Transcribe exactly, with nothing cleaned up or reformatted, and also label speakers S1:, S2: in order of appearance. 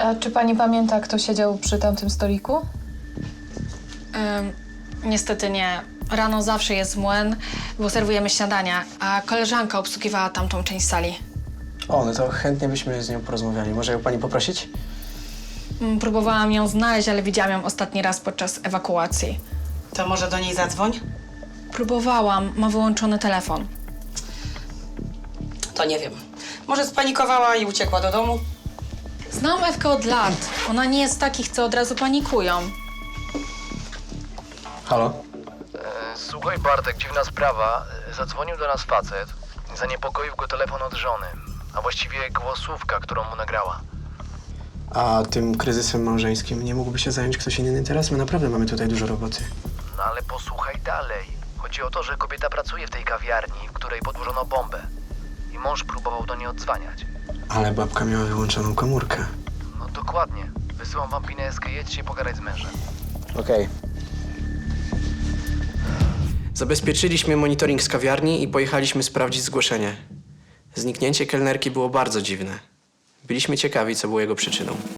S1: A czy pani pamięta, kto siedział przy tamtym stoliku?
S2: Ym, niestety nie. Rano zawsze jest młyn, bo serwujemy śniadania, a koleżanka obsługiwała tamtą część sali.
S3: O, no to chętnie byśmy z nią porozmawiali. Może ją pani poprosić?
S2: Ym, próbowałam ją znaleźć, ale widziałam ją ostatni raz podczas ewakuacji.
S4: To może do niej zadzwoń?
S2: Próbowałam, ma wyłączony telefon.
S4: To nie wiem. Może spanikowała i uciekła do domu?
S2: Znam Ewkę od lat. Ona nie jest z takich, co od razu panikują.
S3: Halo?
S5: E, Słuchaj, Bartek, dziwna sprawa. E, Zadzwonił do nas facet. Zaniepokoił go telefon od żony, a właściwie głosówka, którą mu nagrała.
S3: A tym kryzysem małżeńskim nie mógłby się zająć ktoś inny teraz? My naprawdę mamy tutaj dużo roboty.
S5: No ale posłuchaj dalej. Chodzi o to, że kobieta pracuje w tej kawiarni, w której podłożono bombę. I mąż próbował do niej odzwaniać.
S3: Ale babka miała wyłączoną komórkę.
S5: No dokładnie. Wysyłam wam pineskę, jedźcie pogadać z mężem.
S3: Okej. Zabezpieczyliśmy monitoring z kawiarni i pojechaliśmy sprawdzić zgłoszenie. Zniknięcie kelnerki było bardzo dziwne. Byliśmy ciekawi, co było jego przyczyną.